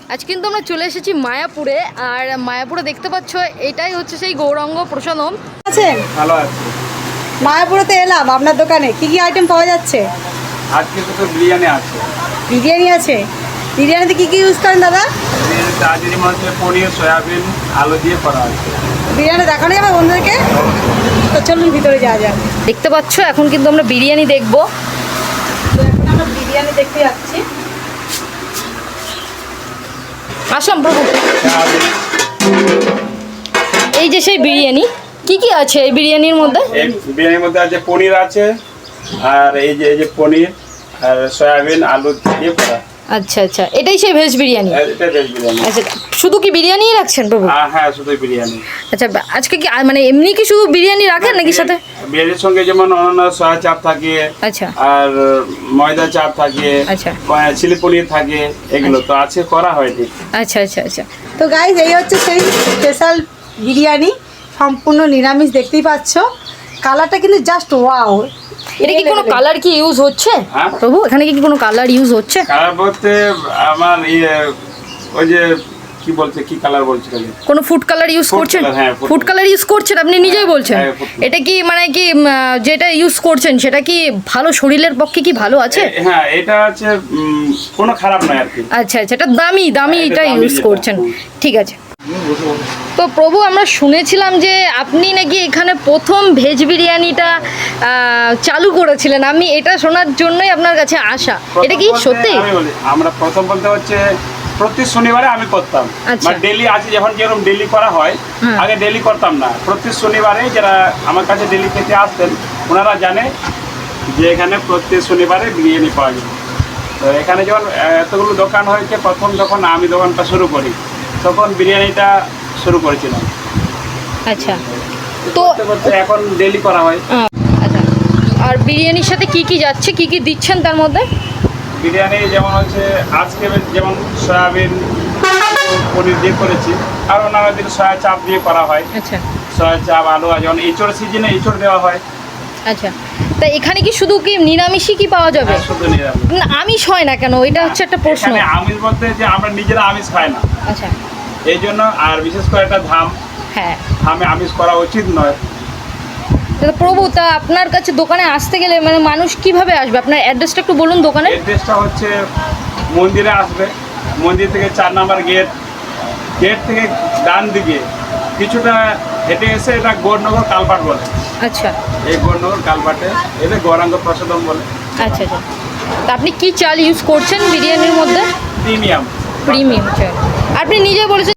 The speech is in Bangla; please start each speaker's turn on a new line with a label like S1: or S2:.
S1: আজ কিন্তু আমরা চলে এসেছি মায়াপুরে, আর মায়াপুরে দেখতে পাচ্ছ এটাই হচ্ছে সেই গৌরাঙ্গ প্রসাদম।
S2: আছেন?
S3: ভালো আছে।
S2: মায়াপুরেতে এলাম আপনার দোকানে, কি কি আইটেম পাওয়া যাচ্ছে?
S3: আজকে তো বিরিয়ানি আছে।
S2: বিরিয়ানি আছে? বিরিয়ানিতে কি কি ইউজ করেন দাদা?
S3: তাজিরি মাছের পনির, সয়াবিন, আলু দিয়ে করা আছে।
S2: বিরিয়ানি দেখানো যাবে বন্ধুদেরকে? তো চলুন ভিতরে যাওয়া যাক।
S1: দেখতে পাচ্ছ এখন কিন্তু আমরা বিরিয়ানি দেখবো।
S2: তো এখন আমরা বিরিয়ানি দেখতে যাচ্ছি।
S1: আসলাম প্রভু। এই যে সেই বিরিয়ানি, কি কি আছে এই বিরিয়ানির মধ্যে?
S3: এই বিরিয়ানির মধ্যে আছে পনির আছে, আর এই যে পনির আর সয়াবিন আলু দিয়ে করা।
S1: আচ্ছা আচ্ছা, এটাই সেই ভেজ বিরিয়ানি।
S3: এটা ভেজ বিরিয়ানি।
S1: আচ্ছা, শুধু কি বিরিয়ানিই রাখছেন প্রভু?
S3: হ্যাঁ, শুধু বিরিয়ানি।
S1: আচ্ছা, আজকে কি মানে এমনি কি শুধু বিরিয়ানি রাখেন নাকি সাথে?
S3: বিরিয়ানির সঙ্গে যেমন অন্যান্য সয়া চাপ থাকে,
S1: আচ্ছা,
S3: আর ময়দা চাপ থাকে,
S1: আচ্ছা,
S3: চিলি পনির থাকে, এগুলো তো আছে, করা হয়নি।
S1: আচ্ছা আচ্ছা আচ্ছা।
S2: তো গাইজ এই হচ্ছে সেই স্পেশাল বিরিয়ানি, সম্পূর্ণ নিরামিষ। দেখতেই পাচ্ছ কালারটা কিন্তু জাস্ট ওয়াও।
S1: এটা কি কোনো কালার কি ইউজ হচ্ছে
S3: হ্যাঁ?
S1: প্রভু, এখানে কি কোনো কালার ইউজ হচ্ছে?
S3: কালার বলতে আমার ওই যে কি বলছে, কি কালার বলছে খালি
S1: কোনো ফুড কালার ইউজ
S3: Food
S1: করছেন?
S3: color, হ্যাঁ, food
S1: ফুড কালার ইউজ করছেন আপনি নিজেই বলছেন?
S3: হ্যাঁ, food color।
S1: এটা কি মানে কি যেটা ইউজ করছেন সেটা কি ভালো, শরীরের পক্ষে কি ভালো আছে?
S3: হ্যাঁ, এটা আছে কোনো খারাপ নয় আর কি।
S1: আচ্ছা আচ্ছা, এটা দামি দামি
S3: হ্যাঁ,
S1: এটা
S3: এটা দামি
S1: ইউজ
S3: যেটা।
S1: করছেন। ঠিক আছে। তো প্রভু, আমরা শুনেছিলাম যে আপনি নাকি এখানে প্রথম ভেজ বিরিয়ানিটা চালু করেছিলেন। আমি এটা শোনার জন্যই আপনার কাছে আসা। এটা কি
S3: প্রথম বলতে
S1: সত্যি?
S3: আমি বলি, আমরা প্রথম বলতে হচ্ছে প্রতি শনিবারে আমি করতাম।
S1: আচ্ছা।
S3: মানে ডেলি আছে, যখন যেরকম ডেলি করা হয়,
S1: হ্যাঁ।
S3: আগে ডেলি করতাম না। প্রতি শনিবারে যারা আমার কাছে ডেলি খেতে আসতেন ওনারা জানে যে এখানে প্রতি শনিবারে বিরিয়ানি পাওয়া যায়। তো এখানে যখন এতগুলো দোকান হয়েছে, প্রথম যখন আমি দোকানটা শুরু করি তখন বিরিয়ানিটা শুরু করেছিলাম।
S1: আচ্ছা, তো
S3: করতে করতে এখন ডেলি করা হয়।
S1: আচ্ছা, আর বিরিয়ানির সাথে কি কি যাচ্ছে, কি কি দিচ্ছেন তার মধ্যে?
S3: বিরিয়ানি যেমন হচ্ছে আজকে যেমন সয়াবিন পনির দিয়ে করেছি, আর অন্যান্য দিন সয়া চাপ দিয়ে করা হয়।
S1: আচ্ছা
S3: সয়া চাপ, আলু, আর যেমন এঁচড় সিজনে এঁচড় দেওয়া হয়।
S1: আচ্ছা, তা এখানে কি শুধু কি নিরামিষই কি পাওয়া যাবে?
S3: হ্যাঁ, শুধু নিরামিষ।
S1: না, আমিষ হয় না কেন? এটা হচ্ছে একটা প্রশ্ন।
S3: এখানে আমিষ বলতে যে আমরা নিজেরা আমিষ খাই না,
S1: আচ্ছা,
S3: এই জন্য। আর বিশেষ করে একটা
S1: হ্যাঁ।
S3: ধামে আমিষ করা উচিত নয়।
S1: তা প্রভু, তা আপনার কাছে দোকানে আসতে গেলে মানে মানুষ কিভাবে আসবে? আপনার অ্যাড্রেসটা একটু বলুন দোকানে।
S3: অ্যাড্রেসটা হচ্ছে মন্দিরে আসবে, মন্দির থেকে 4 নম্বর গেট, গেট থেকে ডান দিকে কিছুটা হেঁটে এসে এটা গৌরনগর কালপাট বলে।
S1: আচ্ছা
S3: এই গৌরনগর কালপাটে এলে গৌরাঙ্গ প্রসাদম বলে।
S1: আচ্ছা আচ্ছা, তা আপনি কি চাল ইউজ করছেন বিরিয়ানির মধ্যে?
S3: প্রিমিয়াম।
S1: প্রিমিয়াম চাল। আপনি নিজে বলেছেন